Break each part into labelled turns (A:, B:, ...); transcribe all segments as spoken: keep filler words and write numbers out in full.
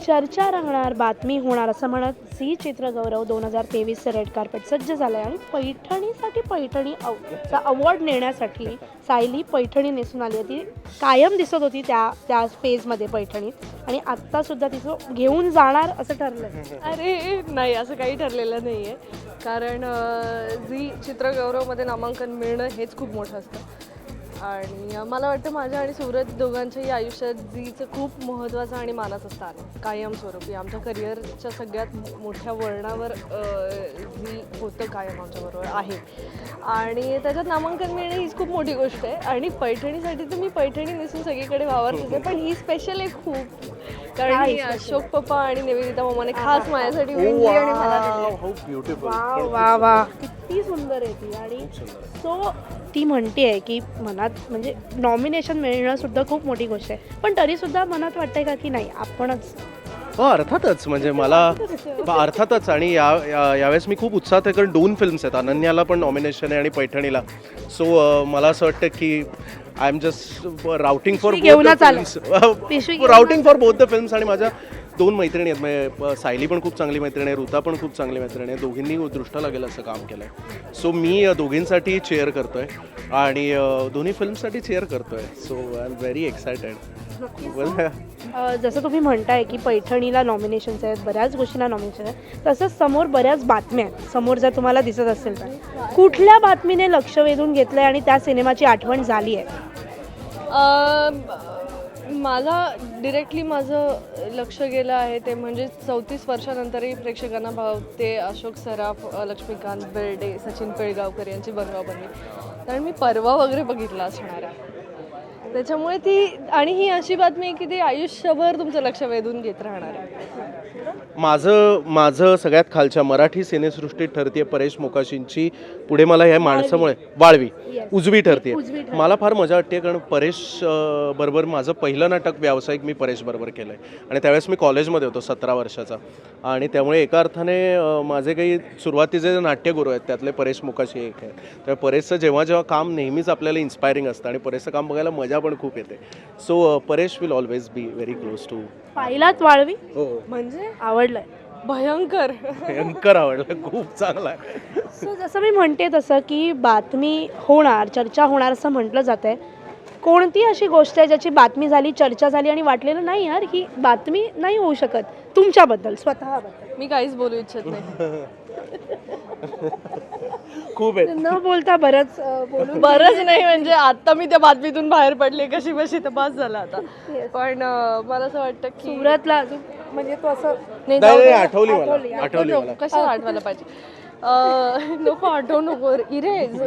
A: चर्चा रंगणार, बातमी होणार असं म्हणत झी चित्रगौरव दोन हजार तेवीसचं रेड कार्पेट सज्ज झालं आहे आणि पैठणीसाठी पैठणी अव चा अवॉर्ड नेण्यासाठी सायली पैठणी नेसून आली होती. कायम दिसत होती त्या त्या स्पेसमध्ये पैठणीत आणि आत्तासुद्धा तिचं घेऊन जाणार असं ठरलं आहे.
B: अरे नाही, असं काही ठरलेलं नाही आहे. कारण झी चित्रगौरवमध्ये नामांकन मिळणं हेच खूप मोठं असतं आणि मला वाटतं माझ्या आणि सुरत दोघांच्याही आयुष्यात झीचं खूप महत्त्वाचं आणि मानाचं स्थान आहे कायमस्वरूपी. आमच्या करिअरच्या सगळ्यात मोठ्या वळणावर झी होतं कायम आमच्याबरोबर आहे आणि त्याच्यात नामांकन मिळणं हीच खूप मोठी गोष्ट आहे. आणि पैठणीसाठी तर मी पैठणी नेसून सगळीकडे वावरते, पण ही स्पेशल आहे खूप, कारण ही अशोक पप्पा आणि निवेदिता मामाने खास माझ्यासाठी विणली आणि मला दिली.
A: वा वा वा, किती सुंदर आहे ती. आणि सो ती म्हणते आहे की मनात म्हणजे नॉमिनेशन मिळणं सुद्धा खूप मोठी गोष्ट आहे, पण तरीसुद्धा मनात वाटतंय का की नाही आपणच.
C: हो अर्थातच, म्हणजे मला अर्थातच. आणि या यावेळेस मी खूप उत्साहात आहे, कारण दोन फिल्म्स आहेत, अनन्याला पण नॉमिनेशन आहे आणि पैठणीला. सो मला असं वाटतं की I am just rooting for rooting for both the films. आणि माझ्या दोन मैत्रिणी आहेत, म्हणजे सायली पण खूप चांगली मैत्रिणी आहे, ऋता पण खूप चांगली मैत्रिणी आहे, दोघींनी दृष्टा लागेल असं काम केलं आहे. सो मी दोघींसाठी चेअर करतो आहे आणि दोन्ही फिल्मसाठी चेअर करतो आहे. So I am very excited.
A: जसं तुम्ही म्हणताय की पैठणीला नॉमिनेशन्स आहेत, बऱ्याच गोष्टींना नॉमिनेशन आहेत, तसंच समोर बऱ्याच बातम्या आहेत. समोर जर तुम्हाला दिसत असेल तर कुठल्या बातमीने लक्ष वेधून घेतलंय आणि त्या सिनेमाची आठवण झाली आहे?
B: मला डिरेक्टली माझं लक्ष गेलं आहे ते म्हणजे चौतीस वर्षानंतरही प्रेक्षकांना भावते अशोक सराफ, लक्ष्मीकांत बेर्डे, सचिन पिळगावकर यांची बनवाबनवी. कारण मी परवा वगैरे बघितला असणार आहे, त्याच्यामुळे ती. आणि ही अशी बातमी आहे की ती आयुष्यभर तुमचं लक्ष वेधून घेत राहणार आहे.
C: माझं माझं सगळ्यात खालच्या मराठी सिनेसृष्टीत ठरते परेश मोकाशींची, पुढे मला ह्या माणसामुळे वाळवी उजवी ठरते. मला फार मजा वाटते, कारण परेश बरोबर माझं पहिलं नाटक व्यावसायिक मी परेश बरोबर केलं आहे आणि त्यावेळेस मी कॉलेजमध्ये होतो सतरा वर्षाचा. आणि त्यामुळे एका अर्थाने माझे काही सुरुवातीचे जे नाट्यगुरू आहेत त्यातले परेश मोकाशी एक आहेत. त्यामुळे परेशचं जेव्हा जेव्हा काम नेहमीच आपल्याला इन्स्पायरिंग असतं आणि परेशचं काम बघायला मजा पण खूप येते. So Paresh will always be very close to.
A: पाहिलात वाळवी?
C: हो,
B: म्हणजे
A: आवडलंय?
B: भयंकर
C: भयंकर आवडलं, खूप चांगला आहे.
A: सो जसं मी म्हणते तसं की बातमी होणार, चर्चा होणार असं म्हटलं जात आहे. कोणती अशी गोष्ट आहे ज्याची बातमी झाली, चर्चा झाली आणि वाटलेलं नाही यार ही बातमी नाही होऊ शकत तुमच्याबद्दल, स्वतःबद्दल?
B: मी काहीच बोलू इच्छित नाही.
C: खूप आहे
A: न बोलता बरंच बोलू.
B: बरंच नाही, म्हणजे आता मी त्या बातमीतून बाहेर पडले कशी बशी तर पास झाला आता. पण मला असं वाटतं की
A: सुरतला अजून म्हणजे तो असं
B: नाही, जाऊ दे.
C: आठवली मला आठवली मला
B: कशाला आठवायला पाहिजे, नको आठवू नको इरेज.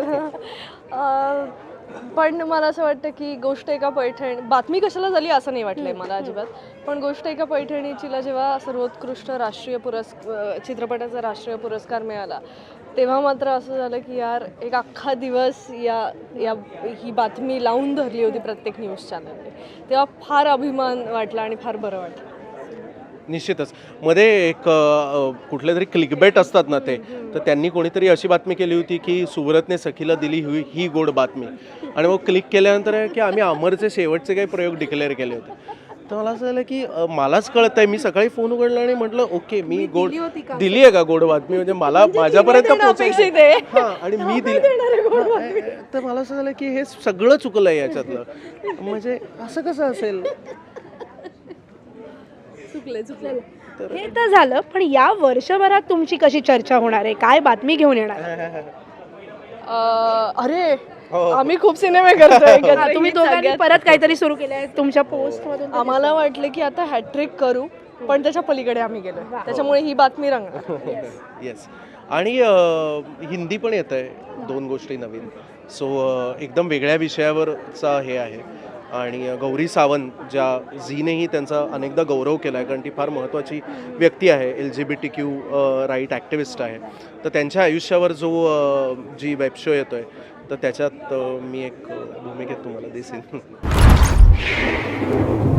B: पण मला असं वाटतं की गोष्ट एका पैठणी, बातमी कशाला झाली असं नाही वाटलंय मला अजिबात, पण गोष्ट एका पैठणीचीला जेव्हा सर्वोत्कृष्ट राष्ट्रीय पुरस्कार चित्रपटाचा राष्ट्रीय पुरस्कार मिळाला तेव्हा मात्र असं झालं की यार एक अख्खा दिवस या या ही बातमी लावून धरली होती प्रत्येक न्यूज चॅनलने. तेव्हा फार अभिमान वाटला आणि फार बरं वाटलं.
C: निश्चितच. मध्ये एक कुठले तरी क्लिकबेट असतात ना ते, तर त्यांनी कोणीतरी अशी बातमी केली होती की सुब्रतने सखीला दिली ही ही गोड बातमी, आणि मग क्लिक केल्यानंतर आहे की आम्ही अमरचे शेवटचे काही प्रयोग डिक्लेअर केले होते. तर मला असं झालं की मलाच कळत आहे. मी सकाळी फोन उघडला आणि म्हटलं ओके मी गोड दिली आहे का गोड बातमी, म्हणजे मला माझ्यापर्यंत पोहोचायची हां आणि मी दिली. तर मला असं झालं की हे सगळं चुकलं आहे याच्यातलं, म्हणजे असं कसं असेल.
B: चुकले चुकले
A: हे तर झालं, पण या वर्षभरात तुमची कशी चर्चा होणार आहे, काय बातमी घेऊन येणार?
B: अरे आम्ही खूप सिनेमे करतोय.
A: तुम्ही दोघांनी परत काहीतरी सुरू केलं आहे तुमच्या पोस्ट मधून.
B: आम्हाला वाटलं की आता हॅट्रिक करू, पण त्याच्या पलीकडे आम्ही गेलो, त्याच्यामुळे ही बातमी रंगणार.
C: येस. आणि हिंदी पण येत आहे, दोन गोष्टी नवीन. सो एकदम वेगळ्या विषयावरचा हे आहे. आणि गौरी सावंत, ज्या झीनेही त्यांचा अनेकदा गौरव केला आहे, कारण ती फार महत्त्वाची व्यक्ती आहे, L G B T Q right activist आहे. तर त्यांच्या आयुष्यावर जो जी वेब शो येतो आहे, तर त्याच्यात मी एक भूमिकेत तुम्हाला दिसेन.